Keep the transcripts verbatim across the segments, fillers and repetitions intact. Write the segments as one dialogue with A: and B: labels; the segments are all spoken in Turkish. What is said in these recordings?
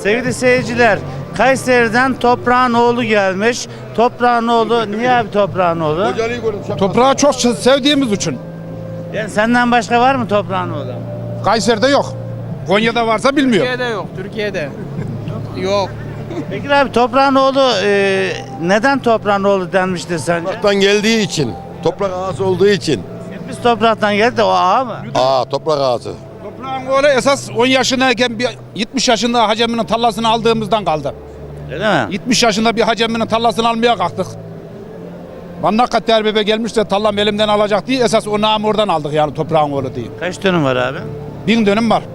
A: Sevgili seyirciler, Kayseri'den Toprağın oğlu gelmiş. Toprağın oğlu, niye abi Toprağın oğlu?
B: Toprağı çok sevdiğimiz için.
A: Yani senden başka var mı Toprağın oğlu?
B: Kayseri'de yok. Konya'da varsa bilmiyorum.
C: Türkiye'de yok, Türkiye'de. Yok.
A: Peki abi Toprağın oğlu e, neden Toprağın oğlu denmiştir sence?
D: Topraktan geldiği için, toprak ağası olduğu için.
A: Biz topraktan geldik de o ağa mı?
D: Aa, toprak ağası.
B: Toprağın oğlu esas on yaşındayken bir yetmiş yaşında haceminin tallasını aldığımızdan kaldı.
A: Öyle mi?
B: yetmiş yaşında bir haceminin tallasını almaya kalktık. Mannakat Derbebe gelmiş de tallam elimden alacak diye esas o namı oradan aldık yani toprağın oğlu diye.
A: Kaç dönüm var abi?
B: Bin dönüm var.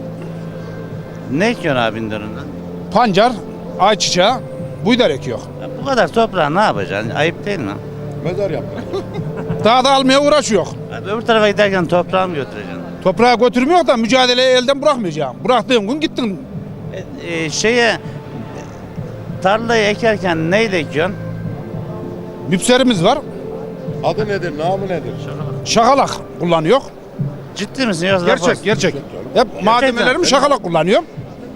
A: Ne ekiyorsun abi bin dönümden?
B: Pancar, ayçiçeği, buğday ekiyor.
A: Ya bu kadar toprağı ne yapacaksın? Ayıp değil mi?
D: Mezar yaptı.
B: Daha da almaya uğraşıyor.
A: Abi öbür tarafa giderken toprağı mı götüreceksin?
B: Toprağı götürmüyor da mücadeleyi elden bırakmayacağım. Bıraktığım gün gittim.
A: E, e, şeye tarlayı ekerken neyle ekiyorsun?
B: Müpserimiz var.
D: Adı nedir, namı nedir?
B: Şakalak kullanıyor.
A: Ciddi misin yoksa
B: Gerçek,
A: laf
B: gerçek. Hep malzemelerimi şakalak kullanıyorum.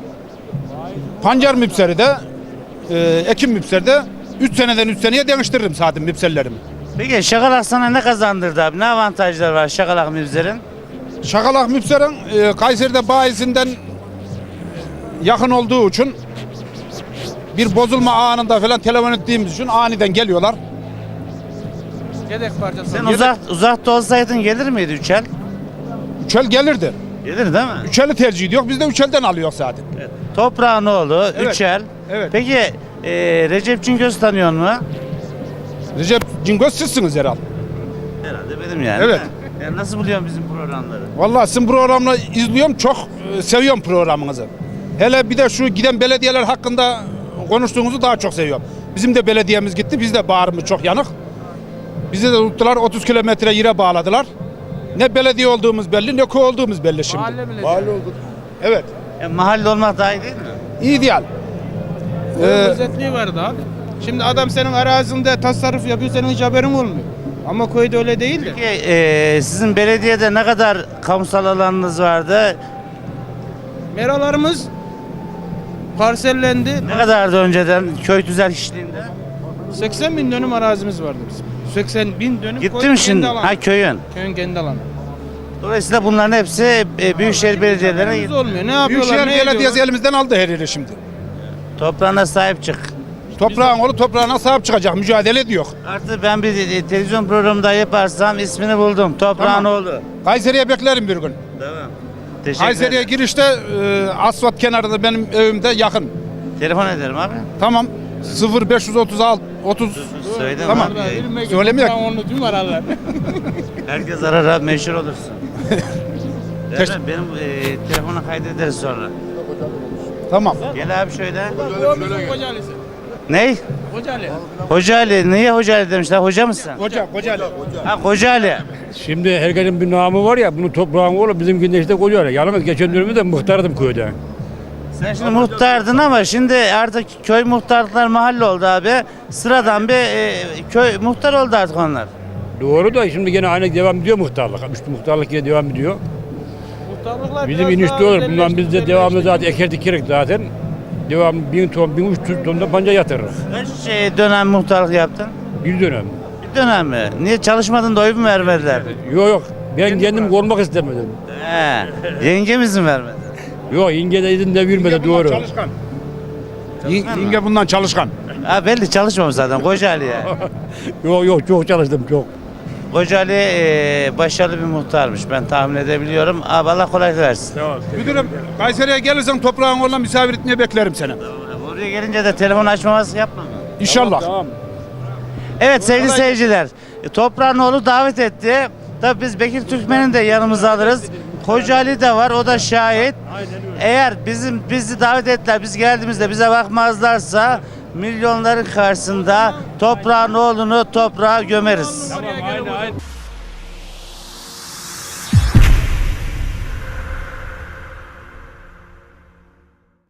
B: Pancar müpseri de, e, ekim müpseri de üç seneden üç seneye değiştiririm zaten müpserlerimi.
A: Peki şakalak sana ne kazandırdı abi? Ne avantajlar var şakalak mibzerin?
B: Şakalak müpserin e, Kayseri'de bayisinden yakın olduğu için bir bozulma anında falan telefon ettiğimiz için aniden geliyorlar.
C: Yedek parçası.
A: Sen uzak, uzakta olsaydın gelir miydi üçel?
B: Üçel gelirdi.
A: Gelir değil mi?
B: Üçeli tercih ediyor. Biz de üçelden alıyoruz zaten.
A: Evet. Toprağın oğlu,
B: Evet.
A: üçel.
B: Evet.
A: Peki e, Recep Cingöz tanıyor mu?
B: Recep Cingöz sizsiniz herhalde.
A: Herhalde benim yani.
B: Evet.
A: Yani nasıl buluyorsun bizim programları?
B: Vallahi sizin programını izliyorum. Çok e, seviyorum programınızı. Hele bir de şu giden belediyeler hakkında konuştuğunuzu daha çok seviyorum. Bizim de belediyemiz gitti. Biz de bağrımız çok yanık. Bizi de tuttular. otuz kilometre yere bağladılar. Ne belediye olduğumuz belli, ne köy olduğumuz belli şimdi.
C: Mahalle bile.
D: Mahalle olduk.
B: Evet.
A: E, mahalle olmak daha iyi değil mi?
B: İdeal.
C: Ee,
B: Ee,
C: özetliği vardı abi. Şimdi adam senin arazinde tasarruf yapıyor, senin hiç haberin olmuyor. Ama köyde öyle değil de.
A: Peki e, sizin belediyede ne kadar kamusal alanınız vardı?
C: Meralarımız parsellendi.
A: Ne kadardı önceden köy tüzel kişiliğinde?
C: seksen bin dönüm arazimiz vardı bizim. seksen bin dönüm
A: Gitti
C: köyün
A: mi şimdi?
C: kendi alanı.
A: Ha köyün.
C: Köyün kendi alanı.
A: Dolayısıyla bunların hepsi e, büyükşehir belediyelerine
C: Haberimiz
A: gitti.
C: olmuyor. Ne yapıyorlar,
B: Büyükşehir
C: ne
B: Belediyesi
C: ediyorlar?
B: elimizden aldı her yeri şimdi.
A: Toprağına sahip çık.
B: Toprağın oğlu toprağına sahip çıkacak. Mücadele ediyor.
A: Artık ben bir e, televizyon programında yaparsam ismini buldum. Toprağın
B: Tamam.
A: oğlu.
B: Kayseri'ye beklerim bir gün.
A: Tamam. Teşekkür
B: Kayseri'ye
A: ederim.
B: girişte e, asfalt kenarında benim evimde yakın.
A: Telefon ederim abi.
B: Tamam. sıfır beş otuz altı otuz
A: Söyledim
B: Tamam.
A: abi.
B: Söylemeyek.
C: Onu tüm aralar.
A: Herkes arar abi meşhur olursun.
B: Teş-
A: Değil mi? Benim e, telefonu kaydederiz sonra.
B: Tamam.
A: Gel abi şöyle.
C: O bizim Kocaeli'si.
A: Ney?
C: Kocaeli.
A: Hoca Ali. Niye Hoca Ali demişler? Hoca mısın?
B: Hoca, hoca.
A: Ha Hoca Ali.
E: Şimdi herkesin bir namı var ya, bunu toprağın oğlu bizimkinde işte koyuyor. Yalnız geçen dönemde de muhtardım köyde.
A: Sen şimdi muhtardın ama şimdi artık köy muhtarlıklar mahalle oldu abi. Sıradan bir e, köy muhtar oldu artık onlar.
E: Doğru da şimdi gene aynı devam ediyor muhtarlık. Üstü muhtarlık yine devam ediyor.
C: Muhtarlıklar
E: Bizim
C: biraz
E: inişte
C: daha
E: olur. Bundan biz de
C: özelleşti,
E: devamlı zaten
C: özelleşti.
E: eker dikerek zaten. Devam bin ton, bin üç yüz ton da panca yatırırız.
A: Kaç şey, dönem muhtarlık yaptın?
E: Bir dönem.
A: Bir dönem mi? Niye çalışmadın da oy mu vermediler?
E: Yok yok. Ben kendim olmak istemedim.
A: He. Yengemiz mi vermedi?
E: Yok yenge de izin de vermedi doğru.
B: Çalışkan. Yenge bundan çalışkan.
A: Ha belli çalışmamış zaten Koca Ali ya.
E: Yok yok çok çalıştım çok.
A: Koca Ali e, başarılı bir muhtarmış ben tahmin edebiliyorum. Abi Allah kolaylık versin.
B: Müdürüm Kayseri'ye gelirsen toprağın oğluna misafir etmeye beklerim seni.
A: Oraya gelince de telefon açmaması yapma.
B: İnşallah.
E: Tamam.
A: Evet sevgili seyirciler, e, Toprağın oğlu davet etti. Tabii biz Bekir Türkmen'i de yanımıza alırız. Koca Ali de var, o da şahit. Eğer bizim bizi davet ettiler, biz geldiğimizde bize bakmazlarsa milyonların karşısında Toprağın oğlunu toprağa gömeriz.
E: Tamam aynen aynen.